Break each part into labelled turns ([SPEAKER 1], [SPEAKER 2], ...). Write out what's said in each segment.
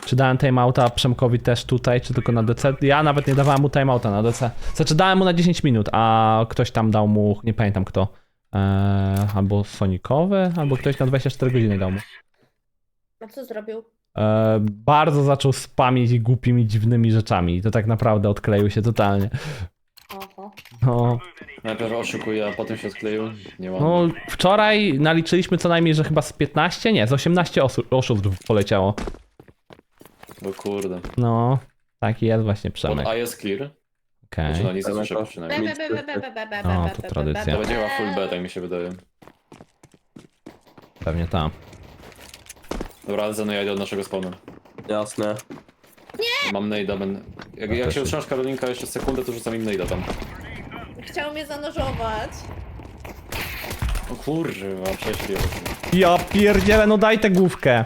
[SPEAKER 1] Czy dałem timeouta Przemkowi też tutaj, czy tylko na DC? Ja nawet nie dawałem mu timeouta na DC. Znaczy dałem mu na 10 minut, a ktoś tam dał mu, nie pamiętam kto. Albo Sonikowy, albo ktoś na 24 godziny dał mu.
[SPEAKER 2] A co zrobił?
[SPEAKER 1] Bardzo zaczął spamić głupimi, dziwnymi rzeczami i to tak naprawdę odkleił się totalnie.
[SPEAKER 2] Oho.
[SPEAKER 1] No,
[SPEAKER 3] Najpierw oszukuje, a potem się odkleił. Nie mam.
[SPEAKER 1] no wczoraj naliczyliśmy co najmniej, że chyba z 15, nie, z 18 oszustw poleciało.
[SPEAKER 3] Bo kurde.
[SPEAKER 1] No, taki jest właśnie
[SPEAKER 3] Pod
[SPEAKER 1] Przemek.
[SPEAKER 3] A jest clear.
[SPEAKER 1] Okej.
[SPEAKER 3] Znaczy, no nic nie słyszę
[SPEAKER 2] Be,
[SPEAKER 3] przynajmniej.
[SPEAKER 2] be, be, be, be, be, be,
[SPEAKER 1] No,
[SPEAKER 2] be,
[SPEAKER 1] to
[SPEAKER 2] be,
[SPEAKER 1] tradycja.
[SPEAKER 2] be,
[SPEAKER 3] To
[SPEAKER 2] be,
[SPEAKER 3] będzie chyba
[SPEAKER 2] be.
[SPEAKER 3] full B, tak mi się wydaje.
[SPEAKER 1] Pewnie tam.
[SPEAKER 3] Dobra, ale Zeno, ja idę od naszego spawnu.
[SPEAKER 4] Jasne.
[SPEAKER 3] Mam nade'a, będę... Jak się utrzymasz Karolinka jeszcze sekundę, to rzucam im nade'a tam.
[SPEAKER 2] Chciał mnie zanurzować.
[SPEAKER 3] O kurwa, prześli.
[SPEAKER 1] Ja pierdzielę, no daj tę główkę.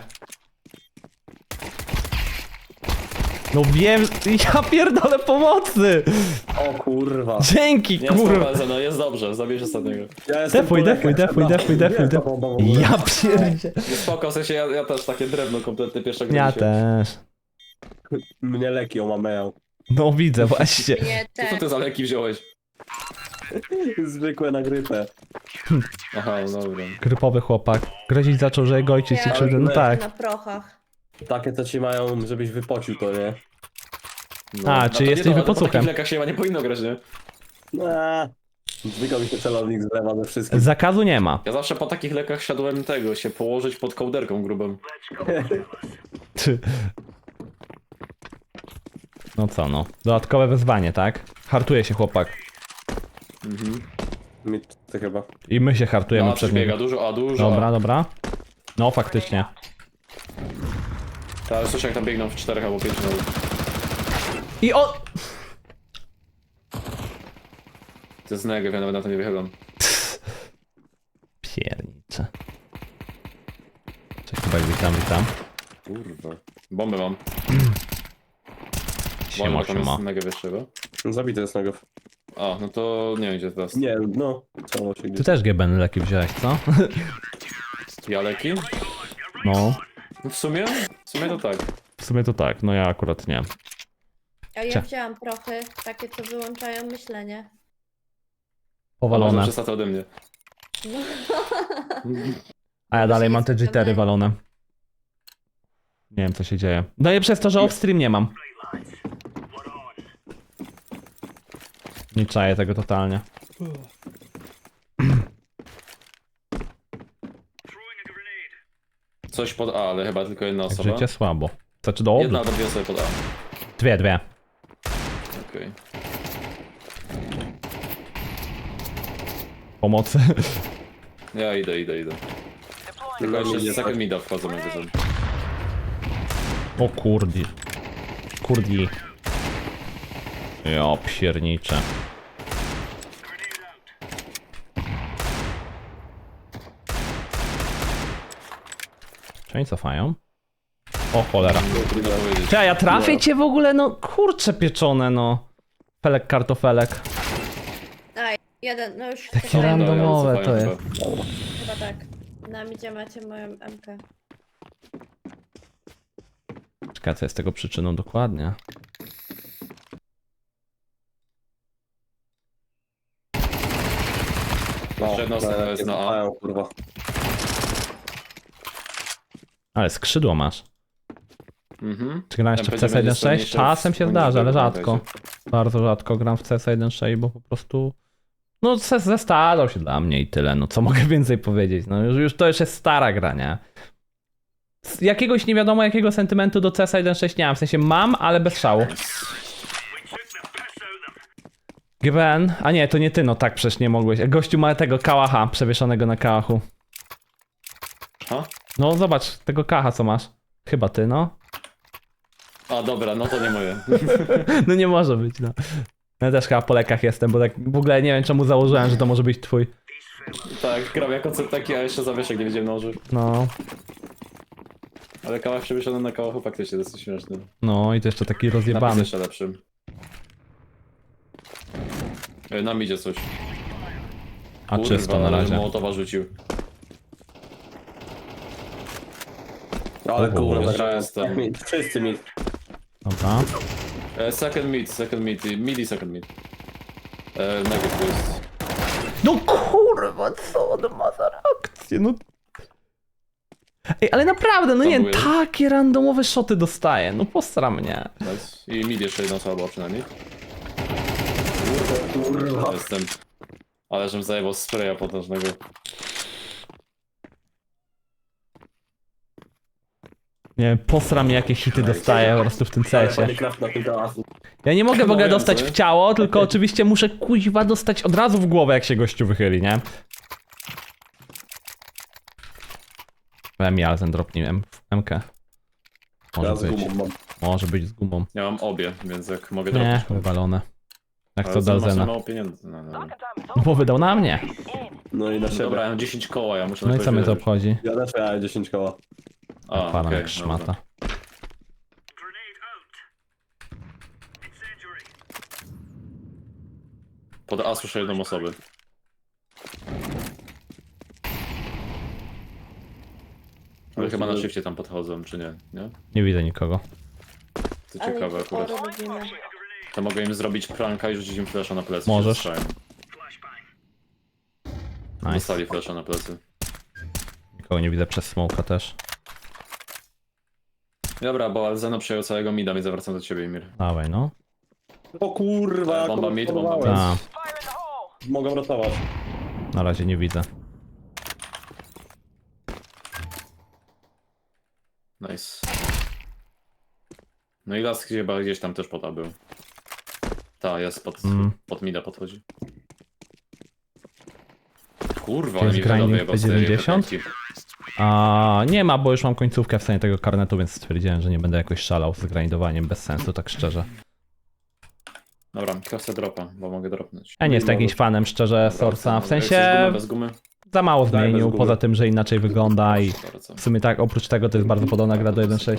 [SPEAKER 1] No wiem, ja pierdolę pomocy.
[SPEAKER 4] O kurwa.
[SPEAKER 1] Dzięki,
[SPEAKER 3] Nie
[SPEAKER 1] kurwa.
[SPEAKER 3] sprawdzę, Zeno, jest dobrze, zabierz ostatniego.
[SPEAKER 4] Ja jestem
[SPEAKER 1] Defuj,
[SPEAKER 4] po
[SPEAKER 1] defuj,
[SPEAKER 4] lekach,
[SPEAKER 1] defuj,
[SPEAKER 4] dobra.
[SPEAKER 1] defuj, defuj,
[SPEAKER 4] Nie,
[SPEAKER 1] defuj.
[SPEAKER 4] to bo-
[SPEAKER 1] Ja pierdzielę.
[SPEAKER 3] Nie spoko, w sensie ja też takie drewno kompletnie pierwszego
[SPEAKER 1] Ja
[SPEAKER 3] dzisiaj.
[SPEAKER 1] też.
[SPEAKER 4] Mnie leki omameją.
[SPEAKER 1] No widzę właśnie.
[SPEAKER 2] Nie,
[SPEAKER 3] Co
[SPEAKER 2] te.
[SPEAKER 3] ty za leki wziąłeś?
[SPEAKER 4] Zwykłe na grypę.
[SPEAKER 3] Aha, no dobra.
[SPEAKER 1] Grypowy chłopak. Grozić zaczął, że jego ojciec i
[SPEAKER 2] Ja
[SPEAKER 1] krzywdę. No tak.
[SPEAKER 2] Na prochach.
[SPEAKER 4] Takie co ci mają, żebyś wypocił to, nie?
[SPEAKER 3] No.
[SPEAKER 1] A,
[SPEAKER 3] to
[SPEAKER 1] czy
[SPEAKER 3] nie,
[SPEAKER 1] jesteś
[SPEAKER 3] no, ale Po
[SPEAKER 1] wypocuchem?
[SPEAKER 3] takich lekach się chyba nie powinno grać, nie?
[SPEAKER 4] Zwykle mi się celownik zlewa ze wszystkim.
[SPEAKER 1] Zakazu nie ma.
[SPEAKER 3] Ja zawsze po takich lekach siadłem tego, się położyć pod kołderką grubą.
[SPEAKER 1] Ty. No co no. Dodatkowe wyzwanie, tak? Hartuje się chłopak.
[SPEAKER 3] Mhm.
[SPEAKER 4] Mi to chyba.
[SPEAKER 1] I my się hartujemy
[SPEAKER 3] No, a
[SPEAKER 1] przed
[SPEAKER 3] przybiega,
[SPEAKER 1] nim.
[SPEAKER 3] dużo, a dużo.
[SPEAKER 1] Dobra, dobra. No faktycznie.
[SPEAKER 3] Tak, słyszę jak tam biegną w 4 albo 5 nawet.
[SPEAKER 1] I o...
[SPEAKER 3] To jest negew, ja nawet na to nie wychylam.
[SPEAKER 1] Piernicze. Cześć, chyba witam.
[SPEAKER 3] Kurwa. Bombę mam.
[SPEAKER 1] Siema,
[SPEAKER 3] Bombę, tam
[SPEAKER 1] siema.
[SPEAKER 3] jest negew jeszcze chyba.
[SPEAKER 4] Zabity jest negew.
[SPEAKER 3] A, no to nie wiem gdzie teraz.
[SPEAKER 4] Nie, no. Cało się
[SPEAKER 1] Ty
[SPEAKER 4] gdzieś.
[SPEAKER 1] też GBN leki wziąłeś, co?
[SPEAKER 3] Ja leki?
[SPEAKER 1] No.
[SPEAKER 3] No w sumie to tak.
[SPEAKER 1] W sumie to tak, no ja akurat nie.
[SPEAKER 2] A ja
[SPEAKER 1] Cia.
[SPEAKER 2] wzięłam prochy, takie co wyłączają myślenie.
[SPEAKER 1] Powalone.
[SPEAKER 3] Przestać ode mnie.
[SPEAKER 1] A ja dalej mam te
[SPEAKER 2] Jest
[SPEAKER 1] jittery
[SPEAKER 2] pewne.
[SPEAKER 1] walone. Nie wiem co się dzieje. No i przez to, że off-stream nie mam. Nie czaję tego totalnie.
[SPEAKER 3] Coś pod A, ale chyba tylko jedna
[SPEAKER 1] Jak
[SPEAKER 3] osoba.
[SPEAKER 1] życie słabo. Znaczy do
[SPEAKER 3] Jedna albo dwie osoby pod A.
[SPEAKER 1] Dwie.
[SPEAKER 3] Okej.
[SPEAKER 1] Pomocy.
[SPEAKER 3] Ja idę. Tylko jeszcze second mida wchodzą jakby to.
[SPEAKER 1] O kurdi. Kurdi. Ja pierniczę. Czy oni cofają? O cholera.
[SPEAKER 3] Trudno powiedzieć.
[SPEAKER 1] Czy ja trafię cię w ogóle? No kurcze pieczone no. Felek kartofelek.
[SPEAKER 2] Aj, jeden, no już
[SPEAKER 1] Takie
[SPEAKER 2] cofają.
[SPEAKER 1] randomowe to
[SPEAKER 3] Cofają
[SPEAKER 1] jest.
[SPEAKER 3] chyba.
[SPEAKER 2] Chyba tak. Na midzie macie moją MK.
[SPEAKER 1] Czekaj, co jest tego przyczyną dokładnie?
[SPEAKER 3] Jeszcze jedna osoba jest na A.
[SPEAKER 4] Mają, kurwa.
[SPEAKER 1] Ale skrzydło masz.
[SPEAKER 3] Mhm.
[SPEAKER 1] Czy gram jeszcze w
[SPEAKER 3] Tam
[SPEAKER 1] CS
[SPEAKER 3] będzie
[SPEAKER 1] 1.6?
[SPEAKER 3] jeszcze
[SPEAKER 1] Czasem się
[SPEAKER 3] w
[SPEAKER 1] zdarza, ale
[SPEAKER 3] pamiętajcie.
[SPEAKER 1] rzadko. Bardzo rzadko gram w CS 1.6, bo po prostu... No zestarzał się dla mnie i tyle, no co mogę więcej powiedzieć, no już to już jest stara gra, nie? Z jakiegoś nie wiadomo jakiego sentymentu do CS 1.6 nie mam, w sensie mam, ale bez szału. GBN? A nie, to nie ty, no tak przecież nie mogłeś. Gościu ma tego kałacha przewieszonego na kałachu.
[SPEAKER 3] Ha?
[SPEAKER 1] No zobacz, tego kałacha co masz. Chyba ty, no.
[SPEAKER 3] A dobra, no to nie moje.
[SPEAKER 1] No nie może być, no. Ja też chyba po lekach jestem, bo tak w ogóle nie wiem czemu założyłem, że to może być twój.
[SPEAKER 3] Tak, gram jako taki, a jeszcze zawieszek nie wiedziałem nałożyć.
[SPEAKER 1] No,
[SPEAKER 3] Ale kałach przewieszony na kałachu faktycznie dosyć śmieszny.
[SPEAKER 1] no i to jeszcze taki
[SPEAKER 3] Napis
[SPEAKER 1] rozjebany.
[SPEAKER 3] jeszcze lepszy. Nam idzie coś.
[SPEAKER 1] A czysto na razie.
[SPEAKER 3] Mołotowa rzucił.
[SPEAKER 4] Ale
[SPEAKER 1] O,
[SPEAKER 4] kurwa,
[SPEAKER 3] jeszcze
[SPEAKER 4] zagrałem.
[SPEAKER 3] jestem.
[SPEAKER 4] Wszyscy mi.
[SPEAKER 1] Dobra.
[SPEAKER 3] Second mid, mid i second mid. Negative to jest.
[SPEAKER 1] No kurwa, co on ma za reakcję, no. Ej, ale naprawdę, no nie wiem,
[SPEAKER 3] Próbuję.
[SPEAKER 1] takie randomowe shoty dostaję, no postra mnie.
[SPEAKER 3] Nice. I mid jeszcze jedna osoba była przynajmniej.
[SPEAKER 4] Kurwa.
[SPEAKER 3] Jestem. Ale żem zajebał spraya potężnego.
[SPEAKER 1] Nie wiem, posra mnie jakie hity dostaję po prostu w tym CS-ie.
[SPEAKER 4] Minecraft na tym teatrze.
[SPEAKER 1] Ja nie mogę w ogóle
[SPEAKER 3] No,
[SPEAKER 1] dostać
[SPEAKER 3] wiem,
[SPEAKER 1] w ciało, tylko oczywiście muszę kuźwa dostać od razu w głowę, jak się gościu wychyli, nie? Mialzen dropnij MK.
[SPEAKER 4] Ja
[SPEAKER 1] Może
[SPEAKER 4] z
[SPEAKER 1] być.
[SPEAKER 4] gumą mam.
[SPEAKER 1] Może być z gumą.
[SPEAKER 3] Ja mam obie, więc jak mogę
[SPEAKER 1] Nie,
[SPEAKER 3] dropić.
[SPEAKER 1] wywalone. Jak
[SPEAKER 3] Ale
[SPEAKER 1] to
[SPEAKER 3] za masz
[SPEAKER 1] Dalzena.
[SPEAKER 3] mało pieniędzy. No.
[SPEAKER 1] No bo wydał na mnie.
[SPEAKER 4] No i na siebie.
[SPEAKER 3] Dobra, ja mam 10 koła, ja muszę
[SPEAKER 1] No i
[SPEAKER 3] na
[SPEAKER 1] co mnie to
[SPEAKER 3] kogoś
[SPEAKER 1] obchodzi?
[SPEAKER 4] Ja też miałem 10 koła.
[SPEAKER 3] A,
[SPEAKER 1] Palam
[SPEAKER 3] okej,
[SPEAKER 1] jak szmata.
[SPEAKER 3] dobra. Pod A słyszę jedną osobę. Ale chyba na shifcie tam podchodzą, czy nie? Nie?
[SPEAKER 1] Nie widzę nikogo.
[SPEAKER 3] To
[SPEAKER 2] Ale
[SPEAKER 3] ciekawe
[SPEAKER 2] ich
[SPEAKER 3] akurat.
[SPEAKER 2] sporo robimy.
[SPEAKER 3] To mogę im zrobić pranka i rzucić im flasha na plecy.
[SPEAKER 1] Możesz.
[SPEAKER 3] się zestrzałem.
[SPEAKER 1] Nice.
[SPEAKER 3] Dostali flasha na plecy.
[SPEAKER 1] Nikogo nie widzę przez smoka też.
[SPEAKER 3] Dobra, bo Alzeno przejął całego mida, więc zawracam do ciebie, Imir.
[SPEAKER 1] Dawaj no.
[SPEAKER 4] O kurwa, jak
[SPEAKER 3] Bomba
[SPEAKER 4] on
[SPEAKER 3] mid, bomba
[SPEAKER 4] próbowałem.
[SPEAKER 3] mid.
[SPEAKER 1] A,
[SPEAKER 4] Mogę ratować.
[SPEAKER 1] na razie nie widzę.
[SPEAKER 3] Nice. No i las chyba gdzieś tam też pod A był. Ta, jest pod mida podchodzi. Kurwa, ale
[SPEAKER 1] Jest
[SPEAKER 3] mi
[SPEAKER 1] grinding
[SPEAKER 3] wyjebał z tej
[SPEAKER 1] P90?
[SPEAKER 3] efekcji.
[SPEAKER 1] A nie ma, bo już mam końcówkę w stanie tego karnetu, więc stwierdziłem, że nie będę jakoś szalał z grindowaniem bez sensu, tak szczerze.
[SPEAKER 3] Dobra, chcę dropa, bo mogę dropnąć.
[SPEAKER 1] Ja nie jestem jakimś fanem szczerze Sorsa, w
[SPEAKER 3] Chcesz
[SPEAKER 1] sensie
[SPEAKER 3] gumę, bez gumy?
[SPEAKER 1] za mało
[SPEAKER 4] Daj, bez
[SPEAKER 1] zmienił,
[SPEAKER 4] gumy.
[SPEAKER 1] poza tym, że inaczej wygląda i
[SPEAKER 3] Bardzo.
[SPEAKER 1] w sumie tak, oprócz tego to jest bardzo podobna gra do 1.6.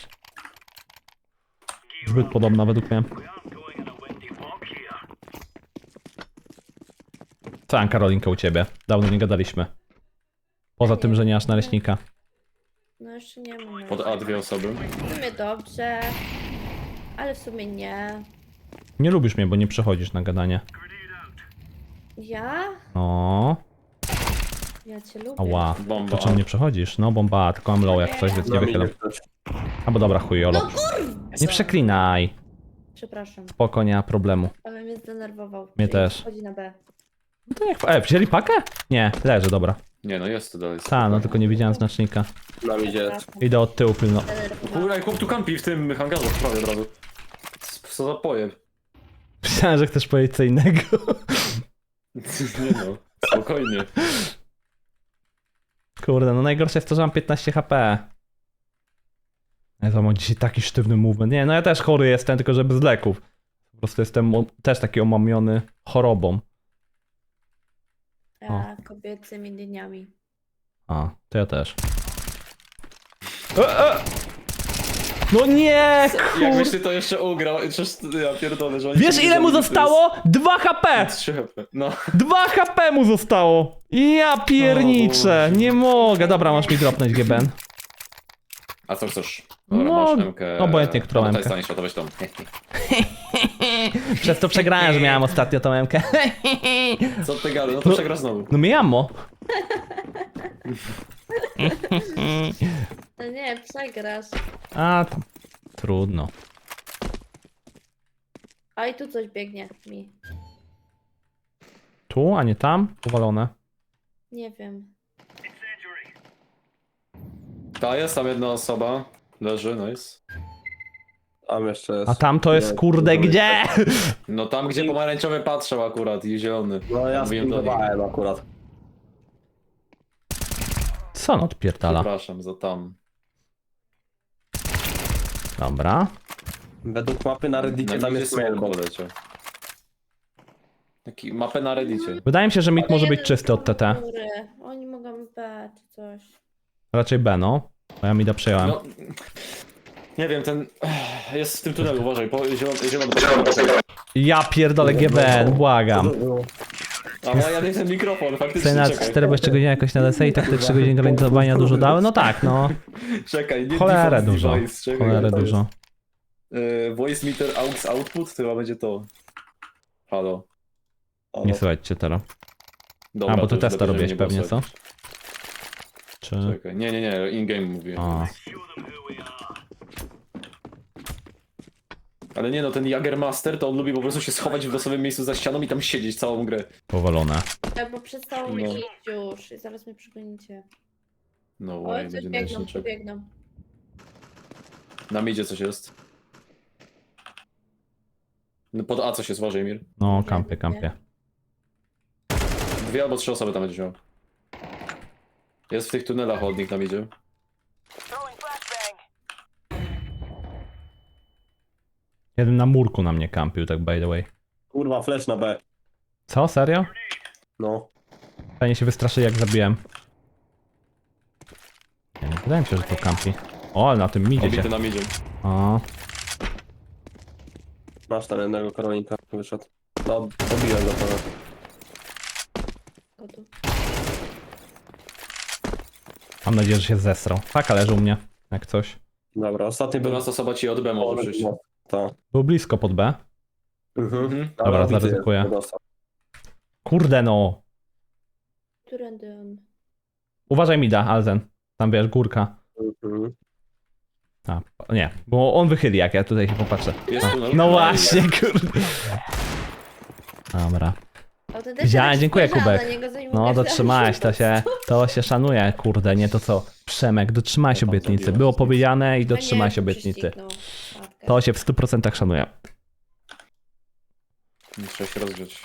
[SPEAKER 1] Zbyt podobna według mnie. Co tam Karolinka u ciebie? Dawno nie gadaliśmy. Poza tym, że nie masz naleśnika.
[SPEAKER 2] No jeszcze nie mam.
[SPEAKER 3] Pod A dwie osoby.
[SPEAKER 2] W sumie dobrze, ale w sumie nie.
[SPEAKER 1] Nie lubisz mnie, bo nie przychodzisz na gadanie.
[SPEAKER 2] Ja?
[SPEAKER 1] O,
[SPEAKER 2] Ja cię lubię.
[SPEAKER 1] ała.
[SPEAKER 3] Bomba.
[SPEAKER 1] To czemu nie przechodzisz? No bomba, tylko mam low jak coś, więc nie
[SPEAKER 4] Na
[SPEAKER 1] wychylam.
[SPEAKER 4] minie ktoś.
[SPEAKER 1] Albo dobra, chujolo.
[SPEAKER 2] No kurwa!
[SPEAKER 1] Nie przeklinaj.
[SPEAKER 2] Przepraszam,
[SPEAKER 1] Spoko, nie ma problemu.
[SPEAKER 2] ale mnie zdenerwował.
[SPEAKER 1] Mnie
[SPEAKER 2] że
[SPEAKER 1] też.
[SPEAKER 2] Wchodzi na B.
[SPEAKER 1] No to jak... wzięli pakę? Nie, leży, dobra.
[SPEAKER 3] Nie, no jest to dalej.
[SPEAKER 1] Ta, no tylko nie widziałem znacznika.
[SPEAKER 4] Na midzie.
[SPEAKER 2] Przepraszam.
[SPEAKER 1] Idę od tyłu pilno.
[SPEAKER 2] Zdenerwował.
[SPEAKER 3] Kurwa, chłop tu kampi w tym hangarzu w prawie od razu. Co za pojeb.
[SPEAKER 1] Myślałem, że chcesz powiedzieć co innego.
[SPEAKER 3] Nie no, spokojnie.
[SPEAKER 1] Kurde, no najgorsze jest to, że mam 15 HP. Ja to mam dzisiaj taki sztywny movement. Nie, no ja też chory jestem, tylko że bez leków. Po prostu jestem też taki omamiony chorobą.
[SPEAKER 2] Ja kobiecymi dniami.
[SPEAKER 1] A, to ja też. No nie,
[SPEAKER 3] Jakbyś
[SPEAKER 1] kur...
[SPEAKER 3] ty to jeszcze ugrał, przecież ja pierdolę, że oni
[SPEAKER 1] Wiesz
[SPEAKER 3] cię
[SPEAKER 1] ile mu
[SPEAKER 3] zabili, to
[SPEAKER 1] zostało? 2 HP!
[SPEAKER 3] jest 3 HP. No.
[SPEAKER 1] 2 HP mu zostało! Ja pierniczę, nie mogę. Dobra, masz mi dropnąć GBN.
[SPEAKER 3] A co chcesz? Dobra,
[SPEAKER 1] No,
[SPEAKER 3] masz MK.
[SPEAKER 1] obojętnie, którą
[SPEAKER 3] No,
[SPEAKER 1] MK.
[SPEAKER 3] to jest tańsza, to weź tą.
[SPEAKER 1] Przez to przegrałem, że miałem ostatnio tą MK.
[SPEAKER 3] Co ty gadasz? No to przegrasz znowu.
[SPEAKER 1] No miamo.
[SPEAKER 2] No nie, przegrasz.
[SPEAKER 1] A, tam. Trudno.
[SPEAKER 2] A i tu coś biegnie mi.
[SPEAKER 1] Tu, a nie tam? Powalone.
[SPEAKER 2] Nie wiem.
[SPEAKER 3] Ta jest tam jedna osoba. Leży, nice.
[SPEAKER 4] Tam jeszcze jest.
[SPEAKER 1] A tam to jest
[SPEAKER 4] Nie,
[SPEAKER 1] kurde
[SPEAKER 4] to
[SPEAKER 1] gdzie?
[SPEAKER 3] No tam gdzie pomarańczowy patrzył akurat i zielony.
[SPEAKER 4] No ja
[SPEAKER 3] Mówiłem do nich.
[SPEAKER 4] spindowałem akurat.
[SPEAKER 1] Co on odpierdala?
[SPEAKER 3] Przepraszam za tam.
[SPEAKER 1] Dobra.
[SPEAKER 4] Według mapy na Reddicie
[SPEAKER 3] Na
[SPEAKER 4] tam
[SPEAKER 3] midzie
[SPEAKER 4] jest
[SPEAKER 3] smoke
[SPEAKER 4] mailbox.
[SPEAKER 3] poleciał. Taki mapę na reddicie.
[SPEAKER 1] Wydaje mi się, że mid może być
[SPEAKER 2] Jeden
[SPEAKER 1] czysty od TT.
[SPEAKER 2] góry. Oni mogą B czy coś.
[SPEAKER 1] Raczej B, no. Bo ja mida przejąłem.
[SPEAKER 3] No, nie wiem, ten jest w tym tunelu, uważaj, zielony
[SPEAKER 1] Ja pierdolę GBN, błagam.
[SPEAKER 3] A ja nie ten mikrofon, faktycznie,
[SPEAKER 1] Cena
[SPEAKER 3] czekaj.
[SPEAKER 1] 4 bo 3 godziny jakoś na DSE i tak te 3 godziny granicowania dużo dały? No tak, no.
[SPEAKER 3] Czekaj, nie
[SPEAKER 1] Cholerę
[SPEAKER 3] default
[SPEAKER 1] dużo.
[SPEAKER 3] device, czekaj,
[SPEAKER 1] Cholerę
[SPEAKER 3] to jest.
[SPEAKER 1] dużo.
[SPEAKER 3] Voice meter aux output, to chyba będzie to. Halo.
[SPEAKER 1] Nie słuchajcie cię teraz.
[SPEAKER 3] Dobra,
[SPEAKER 1] A, bo
[SPEAKER 3] to
[SPEAKER 1] ty
[SPEAKER 3] już
[SPEAKER 1] testa
[SPEAKER 3] lepiej,
[SPEAKER 1] robiłeś
[SPEAKER 3] żeby nie
[SPEAKER 1] pewnie,
[SPEAKER 3] było
[SPEAKER 1] co?
[SPEAKER 3] słychać.
[SPEAKER 1] Czy...
[SPEAKER 3] Czekaj, nie, in-game mówię.
[SPEAKER 1] A.
[SPEAKER 3] Ale nie no, ten Jagermaster to on lubi po prostu się schować w losowym miejscu za ścianą i tam siedzieć całą grę.
[SPEAKER 1] Powalone.
[SPEAKER 2] Tak, bo przestało mi
[SPEAKER 3] No.
[SPEAKER 2] iść już i zaraz mnie przegonicie.
[SPEAKER 3] No
[SPEAKER 2] Oj,
[SPEAKER 3] way,
[SPEAKER 2] coś
[SPEAKER 3] będzie
[SPEAKER 2] biegną,
[SPEAKER 3] najszybciej.
[SPEAKER 2] biegną.
[SPEAKER 3] Na midzie coś jest. No pod A coś jest, uważaj Mir.
[SPEAKER 1] No,
[SPEAKER 2] Nie,
[SPEAKER 1] kampie, kampie.
[SPEAKER 3] 2 albo 3 osoby tam będzie miał. Jest w tych tunelach chodnik na midzie.
[SPEAKER 1] Jeden na murku na mnie kampił, tak by the way.
[SPEAKER 4] Kurwa, flash na B.
[SPEAKER 1] Co, serio?
[SPEAKER 4] No.
[SPEAKER 1] Fajnie się wystraszy jak zabiłem. Nie wydaje mi się, że to kampi. O, ale na tym midzie
[SPEAKER 3] Obity
[SPEAKER 1] się.
[SPEAKER 3] na midzie.
[SPEAKER 1] O,
[SPEAKER 4] Masz tam jednego Karolinka, wyszedł. No, dobiłem go trochę.
[SPEAKER 2] O, tu.
[SPEAKER 1] mam nadzieję, że się zesrał. Taka leży u mnie, jak coś.
[SPEAKER 4] Dobra, ostatni był...
[SPEAKER 3] 12 osoba ci od B może przyjść.
[SPEAKER 4] Tak.
[SPEAKER 1] Był blisko pod B.
[SPEAKER 3] Mhm.
[SPEAKER 1] Dobra,
[SPEAKER 4] widzę,
[SPEAKER 1] zaryzykuję.
[SPEAKER 4] jak dostał.
[SPEAKER 1] Kurde no.
[SPEAKER 2] Którędy on?
[SPEAKER 1] Uważaj mida, Alzen. Tam wiesz, górka.
[SPEAKER 4] Mhm.
[SPEAKER 1] A, nie, bo on wychyli jak ja tutaj się popatrzę.
[SPEAKER 3] Jest tunel.
[SPEAKER 1] No właśnie, kurde. Dobra.
[SPEAKER 2] Autentycznie
[SPEAKER 1] Widziałem,
[SPEAKER 2] tak
[SPEAKER 1] dziękuję,
[SPEAKER 2] spojrzałam
[SPEAKER 1] Kubek.
[SPEAKER 2] na niego, zanim
[SPEAKER 1] No,
[SPEAKER 2] mówię, że-
[SPEAKER 1] dotrzymałeś, to się szanuje, kurde, nie to co. Przemek, dotrzymałeś
[SPEAKER 3] Ja tam
[SPEAKER 1] obietnicy.
[SPEAKER 3] zrobiłem.
[SPEAKER 1] Było powiedziane i
[SPEAKER 2] No nie,
[SPEAKER 1] dotrzymałeś
[SPEAKER 2] tu
[SPEAKER 1] obietnicy.
[SPEAKER 2] prześcignął. Matkę.
[SPEAKER 1] To się w 100% szanuje.
[SPEAKER 3] Trzeba się rozgrzeć.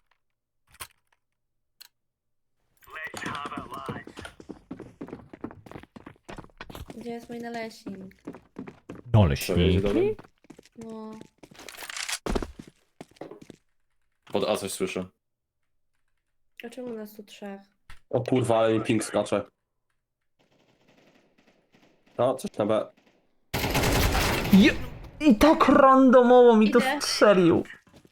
[SPEAKER 2] Gdzie jest mój naleśnik?
[SPEAKER 1] Dole
[SPEAKER 3] Co, jedzie dalej?
[SPEAKER 1] śmieci.
[SPEAKER 2] No.
[SPEAKER 3] Pod A coś słyszę.
[SPEAKER 2] A czemu nas tu trzech?
[SPEAKER 4] O kurwa, ale mi ping skacze. No, coś na B.
[SPEAKER 1] I tak randomowo mi to
[SPEAKER 2] Idę.
[SPEAKER 1] strzelił.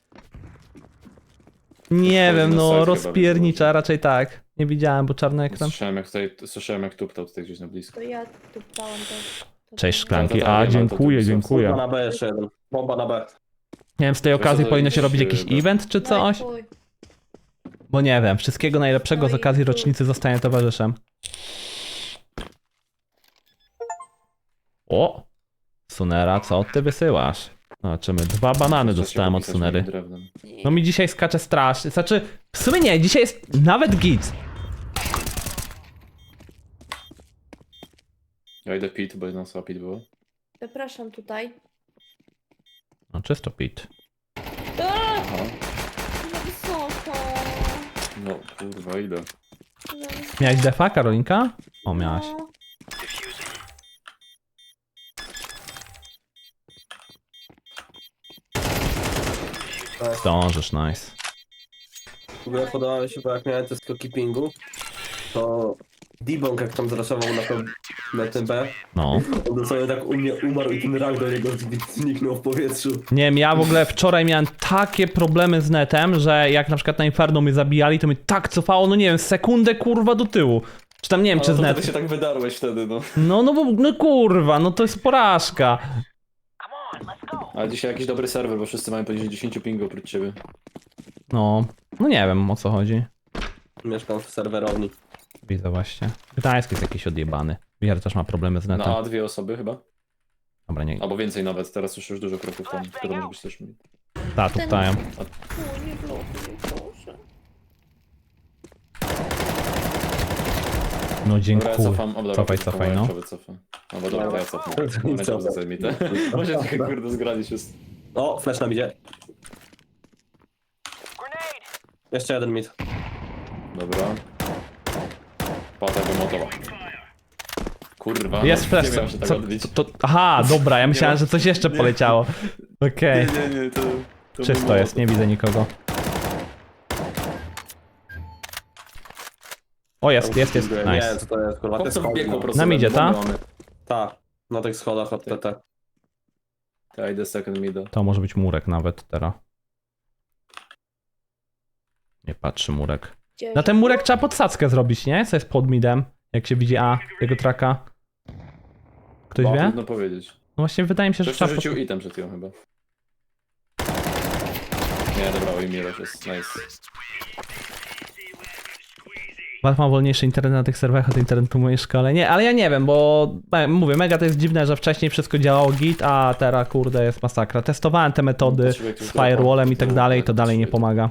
[SPEAKER 1] Nie
[SPEAKER 3] Wchodzi
[SPEAKER 1] wiem,
[SPEAKER 3] na
[SPEAKER 1] no
[SPEAKER 3] site chyba,
[SPEAKER 1] rozpiernicza,
[SPEAKER 3] więc
[SPEAKER 1] raczej tak. Nie widziałem, bo czarny ekran.
[SPEAKER 3] Słyszałem jak tuptał tutaj gdzieś na blisko.
[SPEAKER 2] To ja tu pałam też. To
[SPEAKER 1] Cześć
[SPEAKER 2] to-
[SPEAKER 1] szklanki.
[SPEAKER 3] Tak,
[SPEAKER 1] A,
[SPEAKER 3] wiem, ale to
[SPEAKER 1] dziękuję,
[SPEAKER 3] tu są
[SPEAKER 4] Bomba
[SPEAKER 1] dziękuję.
[SPEAKER 4] na B jeszcze jeden. Bomba na B.
[SPEAKER 1] Nie wiem, z tej okazji
[SPEAKER 3] to
[SPEAKER 1] powinno się
[SPEAKER 3] jakiś,
[SPEAKER 1] robić jakiś
[SPEAKER 3] no.
[SPEAKER 1] event czy
[SPEAKER 2] No i
[SPEAKER 1] coś?
[SPEAKER 2] chuj.
[SPEAKER 1] Bo nie wiem, wszystkiego najlepszego z
[SPEAKER 2] No i
[SPEAKER 1] okazji
[SPEAKER 2] chuj.
[SPEAKER 1] rocznicy zostanie towarzyszem. O! Sunera, co ty wysyłasz? Zobaczymy, 2 banany
[SPEAKER 3] Trzeba się
[SPEAKER 1] dostałem od
[SPEAKER 3] popisać
[SPEAKER 1] Sunery.
[SPEAKER 3] moim drewnem.
[SPEAKER 1] No mi dzisiaj skacze strasznie, znaczy, w sumie nie, dzisiaj jest nawet git.
[SPEAKER 3] Ja idę pit, bo jedna osoba pit było.
[SPEAKER 2] Zapraszam tutaj.
[SPEAKER 1] No czysto pit.
[SPEAKER 3] Aha.
[SPEAKER 2] Za wysoko.
[SPEAKER 3] No kurwa, idę.
[SPEAKER 2] Za wysoko.
[SPEAKER 1] Miałeś defa, Karolinka? O, miałaś.
[SPEAKER 2] No.
[SPEAKER 1] Zdążysz, nice.
[SPEAKER 4] W ogóle podobało mi się, bo jak miałem te skoki pingu, to Dibong jak tam zraszował na tym B,
[SPEAKER 1] No.
[SPEAKER 4] on dosłownie tak u mnie umarł i ten rak do niego zniknął w powietrzu.
[SPEAKER 1] Nie wiem, ja w ogóle wczoraj miałem takie problemy z netem, że jak na przykład na Inferno mnie zabijali, to mnie tak cofało, no nie wiem, sekundę kurwa do tyłu. Czy tam nie wiem, czy
[SPEAKER 3] Ale
[SPEAKER 1] z
[SPEAKER 3] to
[SPEAKER 1] net...
[SPEAKER 3] wtedy się tak wydarłeś wtedy, no.
[SPEAKER 1] No bo, no kurwa, no to jest porażka.
[SPEAKER 3] Ale dzisiaj jakiś dobry serwer, bo wszyscy mają poniżej 10 pingu oprócz ciebie.
[SPEAKER 1] No nie wiem o co chodzi.
[SPEAKER 4] Mieszkam w serwerowni.
[SPEAKER 1] Widzę właśnie. Gdańsk jest jakiś odjebany. Wier też ma problemy z
[SPEAKER 3] Na
[SPEAKER 1] netem.
[SPEAKER 3] A 2 osoby chyba?
[SPEAKER 1] Dobra, nie.
[SPEAKER 3] Albo więcej nawet, teraz już dużo kroków tam, które może być też mniej.
[SPEAKER 1] Ta, tu ptają.
[SPEAKER 2] Chuj, nie blokuj, proszę.
[SPEAKER 1] No
[SPEAKER 3] Dobra, ja
[SPEAKER 1] dziękuję.
[SPEAKER 3] cofam. O, dobra,
[SPEAKER 1] Cofaj,
[SPEAKER 3] to
[SPEAKER 1] cofaj, no.
[SPEAKER 3] Wycofam. No bo dobra, to ja cofnę. Będzie
[SPEAKER 4] Cofam.
[SPEAKER 3] dobrze mi te. Może trochę kurde zgralić jest.
[SPEAKER 4] O, flash nam idzie. Jeszcze jeden mit.
[SPEAKER 3] Dobra. Pata wymotowa. Kurwa.
[SPEAKER 1] Jest
[SPEAKER 3] no,
[SPEAKER 1] flash.
[SPEAKER 3] Nie miałem się tak
[SPEAKER 1] Co,
[SPEAKER 3] odbić.
[SPEAKER 1] aha, dobra, ja myślałem, że coś jeszcze poleciało. Okej.
[SPEAKER 3] Nie, to
[SPEAKER 1] Czysto
[SPEAKER 3] był
[SPEAKER 1] jest, nie widzę nikogo. O, jest.
[SPEAKER 4] Nie wiem
[SPEAKER 1] Nice.
[SPEAKER 4] co to jest, kurwa. Te
[SPEAKER 3] Chłopcy
[SPEAKER 4] schody,
[SPEAKER 3] biegło po
[SPEAKER 4] no.
[SPEAKER 3] prostu.
[SPEAKER 1] Nam idzie, ta?
[SPEAKER 4] Tak, na tych schodach od TT.
[SPEAKER 3] Ja idę second mida.
[SPEAKER 1] To może być murek nawet teraz. Nie patrzy murek.
[SPEAKER 2] Gdzieś.
[SPEAKER 1] Na ten murek trzeba podsadzkę zrobić, nie? Co jest pod midem, jak się widzi A, jego traka. Ktoś wie?
[SPEAKER 3] Trudno powiedzieć.
[SPEAKER 1] No właśnie wydaje mi się, że
[SPEAKER 3] Ktoś
[SPEAKER 1] trzeba...
[SPEAKER 3] rzucił item przed chwilą chyba. Nie, dobra, oj Miroś jest nice.
[SPEAKER 1] Ma wolniejszy internet na tych serwerach od internetu w mojej szkole. Nie, ale ja nie wiem, bo mówię, mega to jest dziwne, że wcześniej wszystko działało git, a teraz kurde jest masakra. Testowałem te metody z firewallem i tak dalej, to dalej nie pomaga.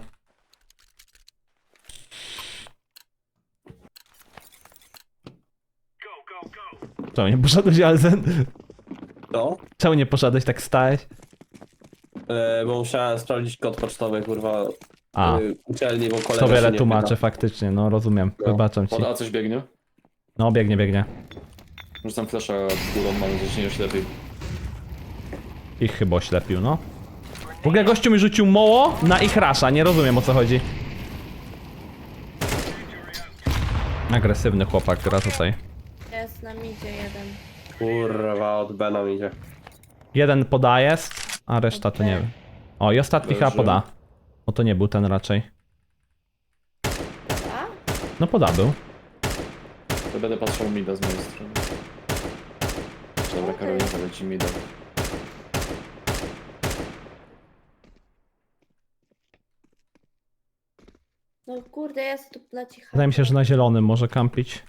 [SPEAKER 1] Czemu nie poszedłeś, Alzen?
[SPEAKER 4] To?
[SPEAKER 1] Czemu nie poszedłeś, tak stałeś?
[SPEAKER 4] Bo musiałem sprawdzić kod pocztowy, kurwa,
[SPEAKER 1] A,
[SPEAKER 4] uczelni, bo kolega
[SPEAKER 1] to
[SPEAKER 4] się
[SPEAKER 1] wiele
[SPEAKER 4] nie
[SPEAKER 1] tłumaczę
[SPEAKER 4] pyta.
[SPEAKER 1] faktycznie, no rozumiem,
[SPEAKER 4] No.
[SPEAKER 1] wybaczam ci.
[SPEAKER 3] Pod A coś biegnie?
[SPEAKER 1] No biegnie, biegnie.
[SPEAKER 3] Rzucam flasha górą, mam nadzieję, że nie oślepi.
[SPEAKER 1] Ich chyba oślepił, no. W ogóle gościu mi rzucił moło na ich rasza, nie rozumiem o co chodzi. Agresywny chłopak gra tutaj.
[SPEAKER 2] Jest na midzie jeden.
[SPEAKER 4] Kurwa, od B nam idzie.
[SPEAKER 1] Jeden poda jest, a reszta to nie wiem. O, i ostatni chyba
[SPEAKER 3] Leży.
[SPEAKER 1] poda. No to nie był ten raczej.
[SPEAKER 2] A?
[SPEAKER 1] No poda był.
[SPEAKER 3] To będę patrzył mida z mojej strony. Dobra, Karolina leci mida.
[SPEAKER 2] No kurde, jest tu na cicha.
[SPEAKER 1] Wydaje mi się, że na zielonym może kampić.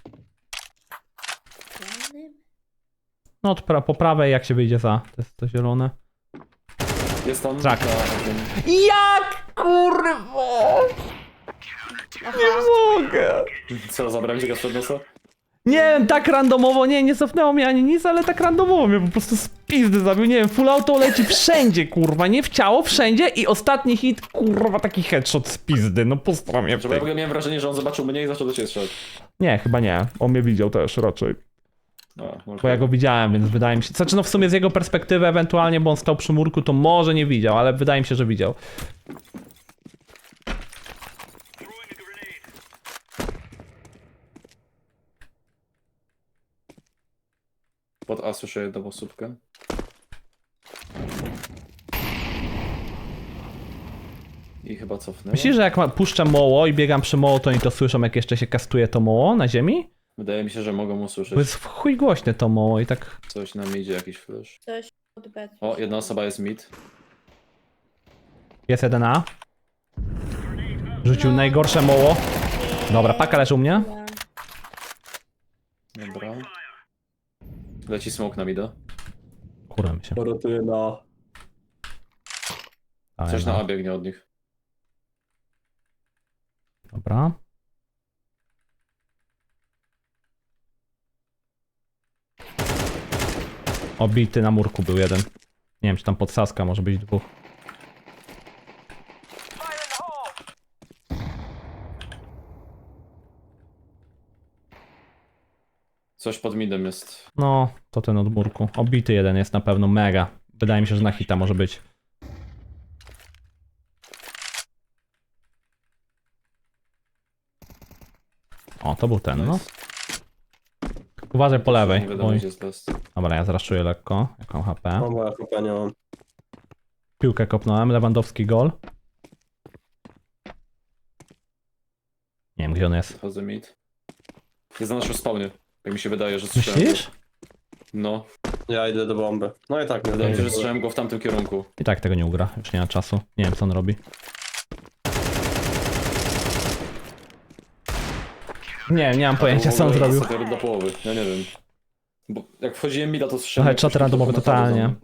[SPEAKER 1] No od po prawej jak się wyjdzie za. To jest to zielone.
[SPEAKER 3] Jest tam.
[SPEAKER 1] Tak.
[SPEAKER 3] na-
[SPEAKER 1] Jak kurwa!
[SPEAKER 2] Aha.
[SPEAKER 1] Mogę!
[SPEAKER 3] Co, zabrałem cię gaz przed nosa?
[SPEAKER 1] Nie wiem, tak randomowo, nie cofnęło mnie ani nic, ale tak randomowo mnie po prostu z pizdy zabił, nie wiem, full auto leci wszędzie, kurwa, nie w ciało, wszędzie i ostatni hit, kurwa, taki headshot z pizdy, no postaram mnie w
[SPEAKER 3] Znaczy, bo ja w
[SPEAKER 1] tej...
[SPEAKER 3] ogóle miałem wrażenie, że on zobaczył mnie i zaczął do ciebie strzelać.
[SPEAKER 1] Nie, chyba nie, on mnie widział też raczej,
[SPEAKER 3] Może
[SPEAKER 1] bo ja go widziałem, więc wydaje mi się, znaczy no w sumie z jego perspektywy ewentualnie, bo on stał przy murku, to może nie widział, ale wydaje mi się, że widział.
[SPEAKER 3] Pod A słyszę jedną osóbkę. I chyba cofnęło.
[SPEAKER 1] Myślisz, że jak puszczę moło i biegam przy moło, to oni to słyszą, jak jeszcze się kastuje to moło na ziemi?
[SPEAKER 3] Wydaje mi się, że mogą usłyszeć
[SPEAKER 1] Bo jest w chuj głośne to moło i tak...
[SPEAKER 3] coś na midzie, jakiś flash.
[SPEAKER 2] Coś od B.
[SPEAKER 3] O, jedna osoba jest mid.
[SPEAKER 1] Jest 1A. Rzucił najgorsze moło. Dobra, paka leży u mnie.
[SPEAKER 3] Dobra. Leci smoke na mida.
[SPEAKER 1] Kurwa mi się.
[SPEAKER 4] Rotuję na...
[SPEAKER 3] Coś na
[SPEAKER 1] no.
[SPEAKER 3] A biegnie od nich.
[SPEAKER 1] Dobra. Obity na murku był jeden. Nie wiem, czy tam podsaska może być dwóch.
[SPEAKER 3] Coś pod midem jest.
[SPEAKER 1] No, to ten od murku. Obity jeden jest na pewno mega. Wydaje mi się, że na hita może być. O, to był ten, no. Uważaj po lewej.
[SPEAKER 3] Nie wiadomo,
[SPEAKER 1] Oj.
[SPEAKER 3] gdzie jest best.
[SPEAKER 1] Dobra, ja zraszuję lekko. Jaką HP?
[SPEAKER 4] No bo ja chyba nie mam.
[SPEAKER 1] Piłkę kopnąłem, Lewandowski gol. Nie wiem, gdzie on jest.
[SPEAKER 3] Chodzę mid. Jest na naszym spawnie. Jak mi się wydaje, że słyszałem
[SPEAKER 1] Myślisz?
[SPEAKER 3] go. No.
[SPEAKER 4] Ja idę do bomby. No i tak, nie
[SPEAKER 3] Wydaje mi się, że
[SPEAKER 4] zdążę.
[SPEAKER 3] słyszałem go w tamtym kierunku.
[SPEAKER 1] I tak tego nie ugra, już nie ma czasu. Nie wiem, co on robi. Nie mam pojęcia, co on zrobił.
[SPEAKER 3] Sobie do połowy, ja nie wiem. Bo jak wchodziłem mida, to słyszałem...
[SPEAKER 1] Trochę czat randomowy totalnie.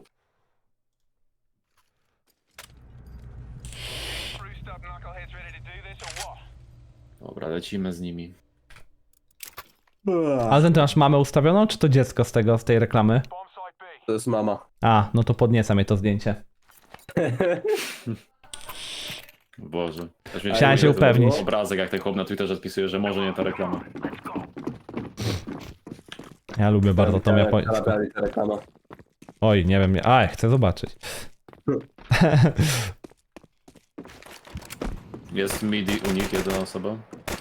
[SPEAKER 3] Dobra, lecimy z nimi.
[SPEAKER 1] A ty masz mamę ustawioną, czy to dziecko z tej reklamy?
[SPEAKER 4] To jest mama.
[SPEAKER 1] A, no to podnieca mnie to zdjęcie.
[SPEAKER 3] Boże.
[SPEAKER 1] Chciałem się upewnić.
[SPEAKER 3] Obrazek, jak ten chłop na Twitterze odpisuje, że może nie ta reklama.
[SPEAKER 1] Ja lubię bardzo tą japońską.
[SPEAKER 4] Ta reklama.
[SPEAKER 1] Oj, nie wiem, chcę zobaczyć.
[SPEAKER 3] Jest midi unik, jedna osoba.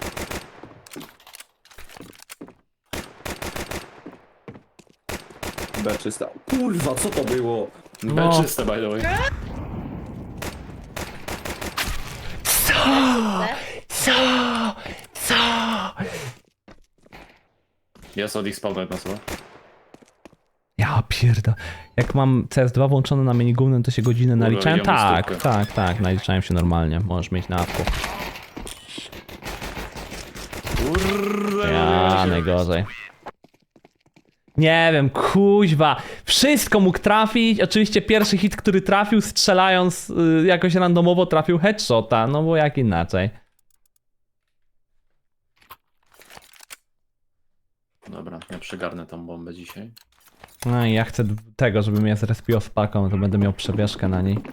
[SPEAKER 4] B czysta. Kurwa, co to było?
[SPEAKER 1] No.
[SPEAKER 3] B czyste, by the way.
[SPEAKER 1] Co? Co?
[SPEAKER 3] Jest od ich spawna jedna osoba.
[SPEAKER 1] Ja pierda. Jak mam CS2 włączone na menu głównym, to się godziny naliczałem?
[SPEAKER 3] idziemy
[SPEAKER 1] Tak,
[SPEAKER 3] stówkę.
[SPEAKER 1] tak, naliczałem się normalnie. Możesz mieć na apku.
[SPEAKER 3] Kurde,
[SPEAKER 1] Ja, najgorzej. Nie wiem, kuźwa. Wszystko mógł trafić. Oczywiście pierwszy hit, który trafił, strzelając jakoś randomowo, trafił headshota. No bo jak inaczej.
[SPEAKER 3] Dobra, ja przygarnę tą bombę dzisiaj.
[SPEAKER 1] No i ja chcę tego, żeby mnie zrespiło z paką, to będę miał przebieżkę na niej.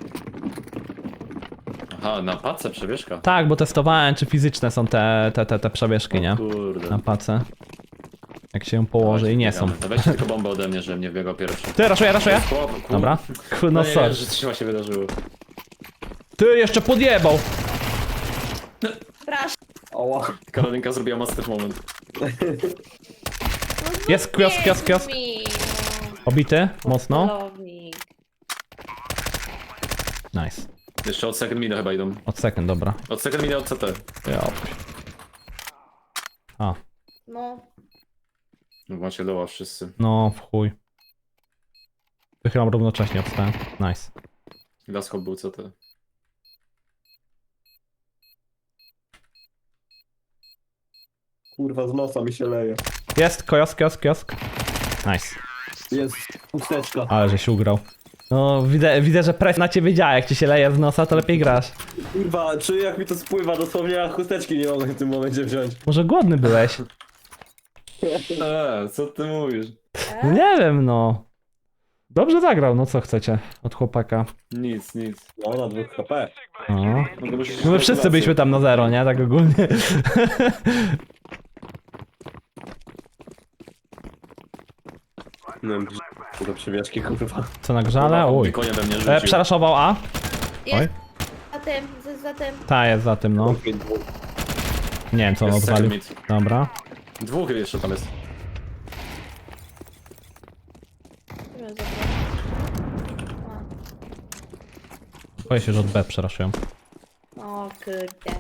[SPEAKER 3] Aha, na pace przebieżka.
[SPEAKER 1] Tak, bo testowałem, czy fizyczne są te przebieżki, nie?
[SPEAKER 3] Kurde.
[SPEAKER 1] Na pace. Jak się ją położy i nie są.
[SPEAKER 3] To weźcie tylko bombę ode mnie, żebym nie wbiegał pierwszy.
[SPEAKER 1] Ty, raszuję.
[SPEAKER 3] Kurde.
[SPEAKER 1] Dobra. No
[SPEAKER 3] No
[SPEAKER 1] sorry.
[SPEAKER 3] nie, że coś chyba się wydarzyło.
[SPEAKER 1] Ty jeszcze podjebał.
[SPEAKER 2] Proszę.
[SPEAKER 4] Oła.
[SPEAKER 3] Karolinka zrobiła master moment.
[SPEAKER 2] No
[SPEAKER 1] Jest kiosk.
[SPEAKER 2] mi,
[SPEAKER 1] Obity,
[SPEAKER 2] no.
[SPEAKER 1] mocno.
[SPEAKER 2] Celownik.
[SPEAKER 1] Nice.
[SPEAKER 3] Jeszcze od second mida chyba idą.
[SPEAKER 1] Od second, dobra.
[SPEAKER 3] Od second mida od CT.
[SPEAKER 1] Ja. A,
[SPEAKER 2] No.
[SPEAKER 3] Macie doła wszyscy.
[SPEAKER 1] no w chuj. Wychylam równocześnie, obstałem. Nice.
[SPEAKER 3] Glaskop był CT.
[SPEAKER 4] Kurwa, z nosa mi się leje.
[SPEAKER 1] Jest, kiosk. Nice.
[SPEAKER 4] Jest chusteczka.
[SPEAKER 1] Ale żeś ugrał. No, widzę, że presja na ciebie działa. Jak ci się leje z nosa, to lepiej grasz.
[SPEAKER 4] Kurwa, czuję jak mi to spływa, dosłownie ja chusteczki nie mogę w tym momencie wziąć.
[SPEAKER 1] Może głodny byłeś?
[SPEAKER 3] Co ty mówisz?
[SPEAKER 1] No nie wiem, no. Dobrze zagrał, no co chcecie od chłopaka.
[SPEAKER 3] Nic.
[SPEAKER 4] No, na 2 HP.
[SPEAKER 1] No.
[SPEAKER 3] No, to musisz
[SPEAKER 1] No my wszyscy byliśmy tam na zero, nie? Tak ogólnie.
[SPEAKER 4] Nie wiem, do przewieszki, kurwa.
[SPEAKER 1] Co na grzale? Uj.
[SPEAKER 3] Konie we mnie rzucił.
[SPEAKER 1] Przeraszował A? Oj.
[SPEAKER 2] Jest za tym.
[SPEAKER 1] Ta jest za tym, no. Nie wiem co on
[SPEAKER 3] Jest
[SPEAKER 1] odwalił.
[SPEAKER 3] second mid.
[SPEAKER 1] Dobra.
[SPEAKER 3] Dwóch jeszcze tam jest.
[SPEAKER 1] Boję się, że od B przeraszują.
[SPEAKER 2] O kurde.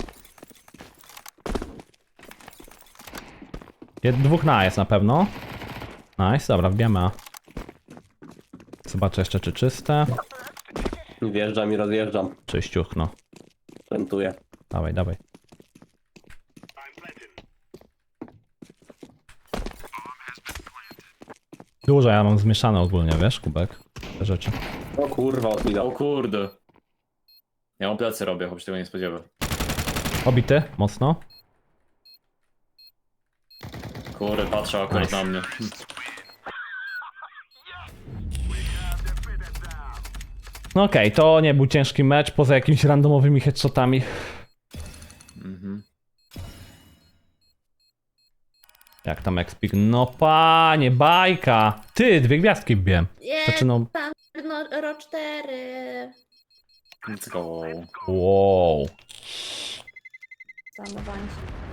[SPEAKER 1] Dwóch na A jest na pewno. Nice, dobra, wbijamy A. Zobaczę jeszcze czy czyste.
[SPEAKER 4] Wjeżdżam i rozjeżdżam.
[SPEAKER 1] Czyściuch, no.
[SPEAKER 4] Rentuję.
[SPEAKER 1] Dawaj. Dużo ja mam zmieszane ogólnie, wiesz, kubek? Te rzeczy.
[SPEAKER 4] O kurwa, odmina.
[SPEAKER 3] O kurde. Ja mam plecy robię, choć się tego nie spodziewa.
[SPEAKER 1] Obity, mocno.
[SPEAKER 3] Kurde, patrzę akurat
[SPEAKER 1] Nice.
[SPEAKER 3] na mnie.
[SPEAKER 1] No okej, to nie był ciężki mecz, poza jakimiś randomowymi headshotami.
[SPEAKER 3] Mhm.
[SPEAKER 1] Jak tam Expik? No panie, bajka! Ty, 2 gwiazdki wbiłem.
[SPEAKER 2] Jest
[SPEAKER 1] Znaczy no,
[SPEAKER 2] tam no, ro 4.
[SPEAKER 3] Let's go.
[SPEAKER 1] wow.
[SPEAKER 2] Zanowanie.